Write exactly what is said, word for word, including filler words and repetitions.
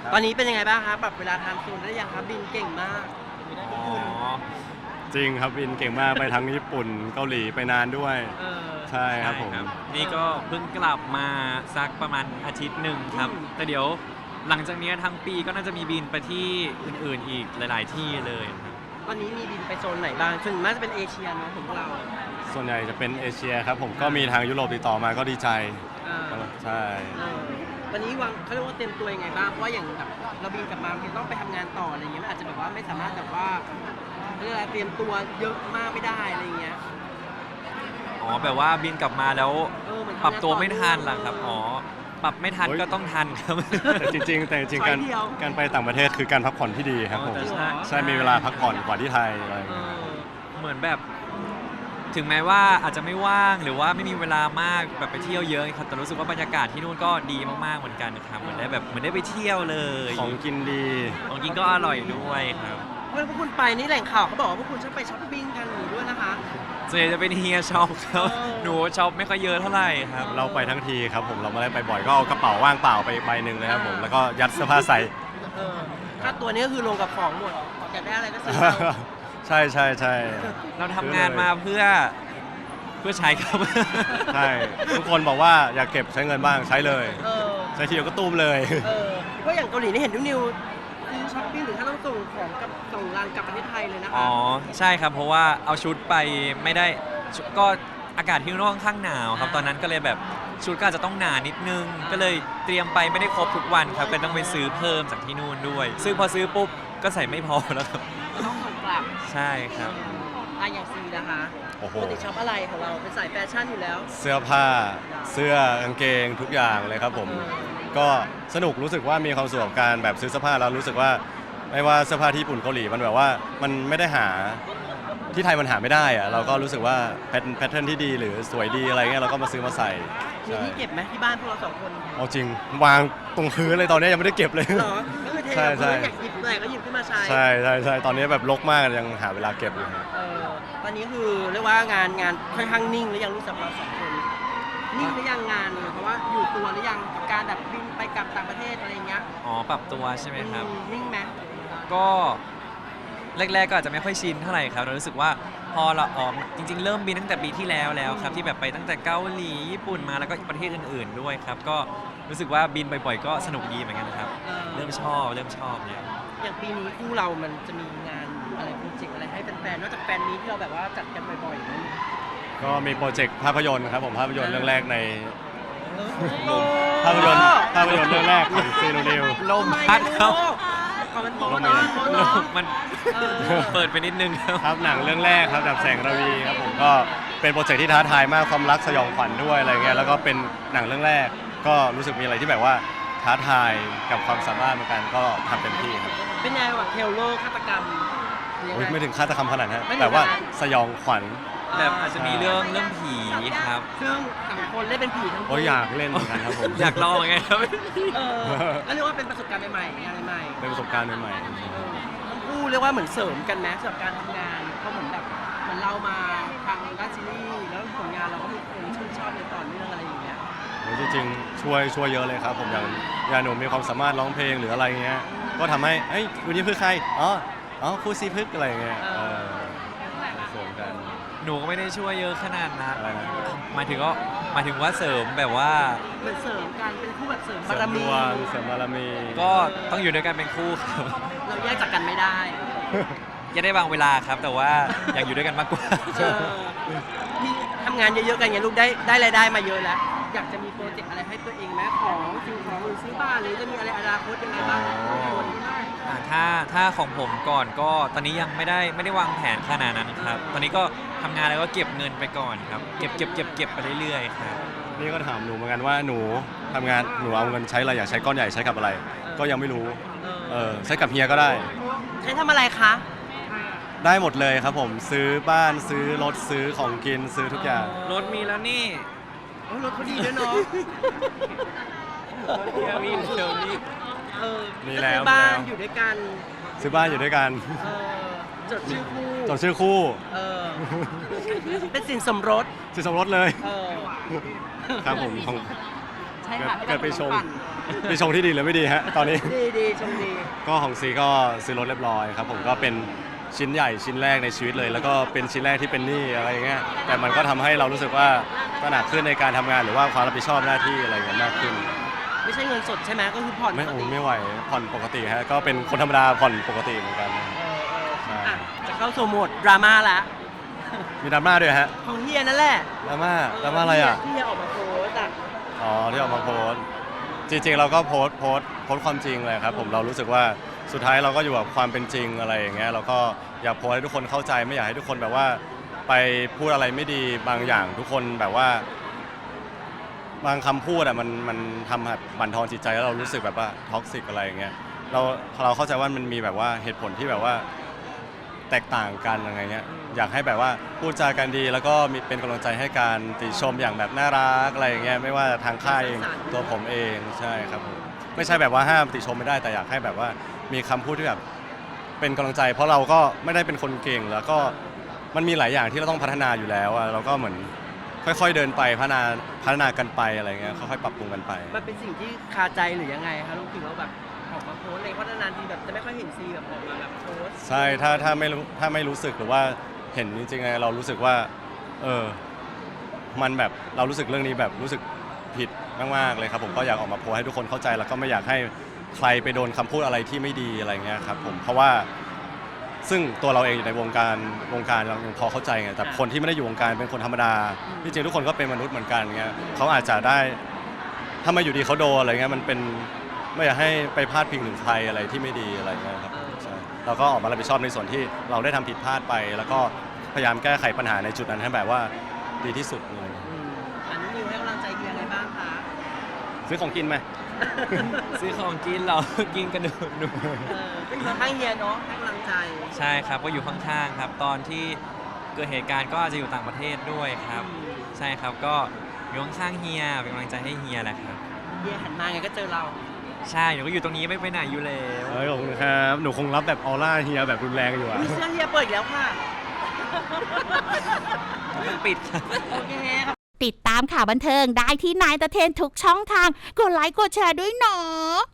ตอนนี้เป็นยังไงบ้างครับปรับเวลาไทม์โซนได้ยังครับบินเก่งมากอ๋อจริงครับบินเก่งมากไปทั้งญี่ปุ่นเกาหลีไปนานด้วยเออใช่ครับผมนี่ก็เพิ่งกลับมาสักประมาณอาทิตย์หนึ่งครับอืมแต่เดี๋ยวหลังจากนี้ทั้งปีก็น่าจะมีบินไปที่อื่นๆอีกหลาย ๆ ที่เลยครับตอนนี้มีบินไปโซนไหนบ้างส่วนมากจะเป็นเอเชียเนาะของเราส่วนใหญ่จะเป็นเอเชียครับผมก็มีทางยุโรปติดต่อมาก็ดีใจอ่าใช่เออวันนี้วางเขาเรียกว่าเต็มตัวยังไงบ้างเพราะว่าอย่างแบบเราบินกลับมาเราต้องไปทำงานต่ออะไรเงี้ยมันอาจจะแบบว่าไม่สามารถแบบว่าเขาเรียกอะไรเตรียมตัวเยอะมากไม่ได้อะไรเงี้ยอ๋อแบบว่าบินกลับมาแล้วเออเหมือนทำงานปรับตัวไม่ทันเหรอครับต่ออ๋อปรับไม่ทันก็ต้องทันครับแต่จริงๆแต่จริงๆการช้อยเดียวการไปต่างประเทศคือการพักผ่อนที่ดีครับผมอ๋อแต่ใช่ใช่มีเวลาพักผ่อนกว่าที่ไทยอะไรอย่างเอเงี้ยอเหมือนแบบ ถึงแม้ว่าอาจจะไม่ว่างหรือว่าไม่มีเวลามากแบบไปเที่ยวเยอะครับแต่รู้สึกว่าบรรยากาศที่นู่นก็ดีมากๆเหมือนกันครับเหมือนได้แบบเหมือนได้ไปเที่ยวเลยของกินดีของกินก็อร่อยด้วยครับเมื่อพวกคุณไปนี่แหล่งข่าวเขาบอกว่าพวกคุณชอบไปช้อปปิ้งกันอยู่ด้วยนะคะส่วนใหญ่จะเป็นเฮียช็อปครับเออหนูช็อปไม่ค่อยเยอะเท่าไหร่ครับเราไปทั้งทีครับผมเราไม่ได้ไปบ่อยก็เอากระเป๋าว่างเปล่าไปใบหนึ่งเลยครับผมแล้วก็ยัดเสื้อผ้าใส่เออค่าตัวนี้ก็คือลงกับของหมดอยากได้อะไรก็ซื้อเอาใช่ใช่ใช่เราทำงานมาเพื่อเพื่อใช้ครับใช่ทุกคนบอกว่าอยากเก็บใช้เงินบ้างใช้เลยเออใช้ทีเดียวก็ตุ้มเลยเออเพราะอย่างเกาหลีนี่เห็นนิวนิวซื้อช้อปปิ้งหรือถ้าต้องส่งของกับส่งรางกลับประเทศไทยเลยนะคะอ๋อใช่ครับเพราะว่าเอาชุดไปไม่ได้ชุดก็อากาศที่นู่นค่อนข้างหนาวครับตอนนั้นก็เลยแบบชุดก็อาจจะต้องหนานิดนึง ก็เลยเตรียมไปไม่ได้ครบทุกวันครับก็ต้องไปซื้อเพิ่มจากที่นู่นด้วย ซึ่งพอซื้อปุ๊บก็ใส่ไม่พอแล้วครับต้องส่งกลับใช่ครับอ่ะอย่างซีนะคะโอ้โหปกติช็อปอะไรของเราเป็นสายแฟชั่นอยู่แล้วเสื้อผ้าเสื้อกางเกงทุกอย่างเลยครับผม ก็สนุกรู้สึกว่ามีความสุขกับการแบบซื้อเสื้อผ้าแล้วรู้สึกว่าไม่ว่าเสื้อผ้าที่ญี่ปุ่นเกาหลีมันแบบว่ามันไม่ได้หาที่ไทยมันหาไม่ได้อะเราก็รู้สึกว่าแพทแพทเทิร์นที่ดีหรือสวยดีอะไรเงี้ยเราก็มาซื้อมาใส่มีใช่ที่เก็บไหมที่บ้านพวกเราสองคนเอาจริงวางตรงพื้นเลยตอนนี้ยังไม่ได้เก็บเลยเหรอก็คือเทใช่ใช่อยากหยิบเมื่อไหร่ก็หยิบขึ้นมาใช้ใช่ใช่ใช่ตอนนี้แบบรกมากยังหาเวลาเก็บอยู่ครับเออตอนนี้คือเรียกว่างานงานค่อนข้างนิ่งหรือยังรู้สึกเราสองคนนิ่งหรือยังงานเลยเพราะว่าอยู่ตัวหรือยังกับการแบบบินไปกลับต่างประเทศอะไรอย่างเงี้ยอ๋อปรับตัวใช่ไหมครับอืมนิ่งไหมก็แรกๆก็อาจจะไม่ค่อยชินเท่าไหร่ครับเรารู้สึกว่าพอเราออกจริง ๆ เริ่มบินตั้งแต่ปีที่แล้วแล้วครับที่แบบไปตั้งแต่เกาหลีญี่ปุ่นมาแล้วก็ประเทศอื่น ๆ ด้วยครับก็รู้สึกว่าบินบ่อยๆก็สนุกดีเหมือนกันครับเออเริ่มชอบเริ่มชอบเนี่ยอย่างปีนี้คู่เรามันจะมีงานอะไรโปรเจกต์อะไรให้แฟนๆนอกจากแฟนมีที่เราแบบว่าจัดกันบ่อยๆนั้นก็มีโปรเจกต์ภาพยนตร์ครับผมภาพยนตร์เรื่องแรกในเออภาพยนตร์ภาพยนตร์เรื่องแรกของซีโนนิวลมพัดครับก่อนมันโตลมเนาะพัดเนาะมันเออเปิดไปนิดนึงครับครับหนังเรื่องแรกครับดับแสงระวีครับผมก็เป็นโปรเจกต์ที่ท้าทายมากความรักสยองขวัญด้วยอะไรเงี้ยแล้วก็เป็นหนังเรื่องแรก ก็รู้สึกมีอะไรที่แบบว่าท้าทายกับความสามารถเหมือนกันก็ทำเต็มที่ครับเป็นไงวะเทลเลอร์ฆาตกรรมยังโอ๊ยไงไม่ถึงฆาตกรรมขนาดนั้นไม่ถึงแต่ว่าขนาดนั้นสยองขวัญแบบอาจจะมีเรื่องเรื่องผีครับซึ่งสองคนเล่นเป็นผีทั้งโอ้คู่ยอยากเล่นเหมือนกันครับผมอยากลองไงครับเออก็เรียกว่าเป็นประสบการณ์ใหม่ๆงานใหม่ๆเป็นประสบการณ์ใหม่เออทั้งคู่เรียกว่าเหมือนเสริมกันนะสำหรับการทำงานเพราะเหมือนแบบเหมือนเรามาทางด้านซีรีส์แล้วผลงานเราก็มีคนชื่นชอบในต่อเนื่องอะไรอย่างเงี้ยๆโอ้ยจริงๆช่วยช่วยเยอะเลยครับผมอย่างอย่างหนูมีความสามารถร้องเพลงหรืออะไรเงี้ยก็ทำให้เอ้ยวันนี้เพื่อใครอ๋ออ๋อครูซีพึกอะไรเงี้ยเออเสริมกันหนูก็ไม่ได้ช่วยเยอะขนาดนั้นอะไรนะหมายถึงก็หมายถึงว่าเสริมแบบว่าเหมือนเสริมกันเป็นคู่แบบเสริมเสบาริรมดมีวงเสริมบารมีก็ต้องอยู่ด้วยกันเป็นคู่ครับเราแยกจากกันไม่ได้จะได้บางเวลาครับ แต่ว่าอยากอยู่ด้วยกันมากกว่าเออมีทำงานเยอะๆกันไงลูกได้ได้รายได้มาเยอะแล้ว อยากจะมีโปรเจกต์อะไรให้ตัวเองไหมของสิ่งของหรือซื้อบ้านหรือจะมีอะไรอนาคตยังไงบ้างอ๋อ อ่าถ้าถ้าของผมก่อนก็ตอนนี้ยังไม่ได้ไม่ได้วางแผนขนาดนั้นครับ ตอนนี้ก็ทำงานแล้วก็เก็บเงินไปก่อนครับ เก็บเก็บเก็บเก็บไปเรื่อยๆครับนี่ก็ถามหนูเหมือนกันว่าหนูทำงานหนูเอาเงินใช้อะไรอยากใช้ก้อนใหญ่ใช้กับอะไร ก็ยังไม่รู้เออเออใช้กับเฮียก็ได้ใช้ทำอะไรคะได้หมดเลยครับผมซื้อบ้านซื้อรถซื้อของกินซื้อทุกอย่างรถมีแล้วนี่โอ้ยรถเขาดีด้วยเนาะเดี๋ยวมีเดี๋ยวนี้เออมีแล้วก็ซื้อบ้านมีแล้วอยู่ด้วยกันซื้อบ้านอยู่ด้วยกันเออจดชื่อคู่จดชื่อคู่เออเป็นสินสมรสสินสมรสเลยเออครับผมของใช่ค่ะเกิดไปชมปั่นมีชงที่ดีหรือไม่ดีฮะตอนนี้ดีดีชมดีก็ของซีก็ซื้อรถเรียบร้อยครับผมก็เป็นชิ้นใหญ่ชิ้นแรกในชีวิตเลย แล้วก็เป็นชิ้นแรกที่เป็นหนี้อะไรอย่างเงี้ยแต่มันก็ทำให้เรารู้สึกว่าตระหนักขึ้นในการทำงานหรือว่าความรับผิดชอบหน้าที่อะไรอย่างเงี้ยมากขึ้นไม่ใช่เงินสดใช่ไหมก็คือผ่อนไม่ปกโอ้ติไม่ไหวผ่อนปกติฮะก็เป็นคนธรรมดาผ่อนปกติเหมือนกันเออเออใช่อ่ะจะเข้าสู่โหมดดราม่าละมีดราม่าด้วยฮะของเฮียนั่นแหละดราม่าดราม่าอะไรอ่ะที่เฮียออกมาโพสต์อ่ะอ๋อที่ออกมาโพสต์จริงๆเราก็โพสต์โพสต์โพสต์ความจริงเลยครับผมเรารู้สึกว่าสุดท้ายเราก็อยู่กับความเป็นจริงอะไรอย่างเงี้ยเราก็อยากโพสต์ให้ทุกคนเข้าใจไม่อยากให้ทุกคนแบบว่าไปพูดอะไรไม่ดีบางอย่างทุกคนแบบว่า บางคำพูดอ่ะมันมันทำให้บั่นทอนจิตใจแล้วเรารู้สึกแบบว่าท็อกซิกอะไรอย่างเงี้ยเราเราเข้าใจว่ามันมีแบบว่าเหตุผลที่แบบว่าแตกต่างกันอะไรเงี้ยอยากให้แบบว่าพูดจากันดี แล้วก็มีเป็นกำลังใจให้การติชมอย่างแบบน่ารักอะไรอย่างเงี้ยไม่ว่าทางค่ายเองตัวผมเองใช่ครับผมไม่ใช่แบบว่าห้ามติชมไม่ได้แต่อยากให้แบบว่ามีคำพูดที่แบบเป็นกำลังใจ เพราะเราก็ไม่ได้เป็นคนเก่งแล้วก็มันมีหลายอย่างที่เราต้องพัฒนาอยู่แล้วอะเราก็เหมือนค่อยๆเดินไปพัฒนาพัฒนากันไปอะไรเงี้ยค่อยๆปรับปรุงกันไปมันเป็นสิ่งที่คาใจหรือยังไงคะลูกถึงเราแบบออกมาโพสต์เลยเพราะนานๆทีแบบจะไม่ค่อยเห็นซีแบบออกมาแบบโพสต์ใช่ถ้าถ้าไม่รู้ถ้าไม่รู้สึกหรือว่าเห็นจริงๆไงเรารู้สึกว่าเออมันแบบเรารู้สึกเรื่องนี้แบบรู้สึกผิดมากๆเลยครับผมก็อยากออกมาโพสต์ให้ทุกคนเข้าใจแล้วก็ไม่อยากให้ใครไปโดนคำพูดอะไรที่ไม่ดีอะไรเงี้ยครับผมเพราะว่าซึ่งตัวเราเองอยู่ในวงการวงการเรายังพอเข้าใจไงแต่คนที่ไม่ได้อยู่วงการเป็นคนธรรมดาที่จริงทุกคนก็เป็นมนุษย์เหมือนกันเงี้ยเขาอาจจะได้ถ้ามาอยู่ดีเขาโดนอะไรเงี้ยมันเป็นไม่อยากให้ไปพาดพิงถึงใครอะไรที่ไม่ดีอะไรเงี้ยครับใช่เราก็ออกมารับผิดชอบในส่วนที่เราได้ทำผิดพลาดไป แล้วก็พยายามแก้ไขปัญหาในจุดนั้นให้แบบว่าดีที่สุดเลยอืมอันนี้นิวให้กำลังใจเฮียไงบ้างคะซื้อของกินไหมซื้อของกินเรา กินกระดูกหนูเออเป็นกำลังเฮียเนาะให้กำลังใจใช่ครับก็อยู่ข้างๆครับ ตอนที่เกิดเหตุการณ์ก็อาจจะอยู่ต่างประเทศด้วยครับอืมใช่ครับก็อยู่ข้างๆเฮียเป็นกำลังใจให้เฮียแหละครับเฮียหันมาไงก็เจอเราใช่หนูก็อยู่ตรงนี้ไม่ไปไหนอยู่แล้วเฮ้ยขอบคุณครับหนูคงรับแบบออร่าเฮียแบบรุนแรงอยู่อะมีเสื้อเฮียเปิดอีกแล้วค่ะมันปิดครับโอเคครับติดตามข่าวบันเทิงได้ที่นายตะเทนทุกช่องทาง กดไลค์กดแชร์ด้วยเนาะ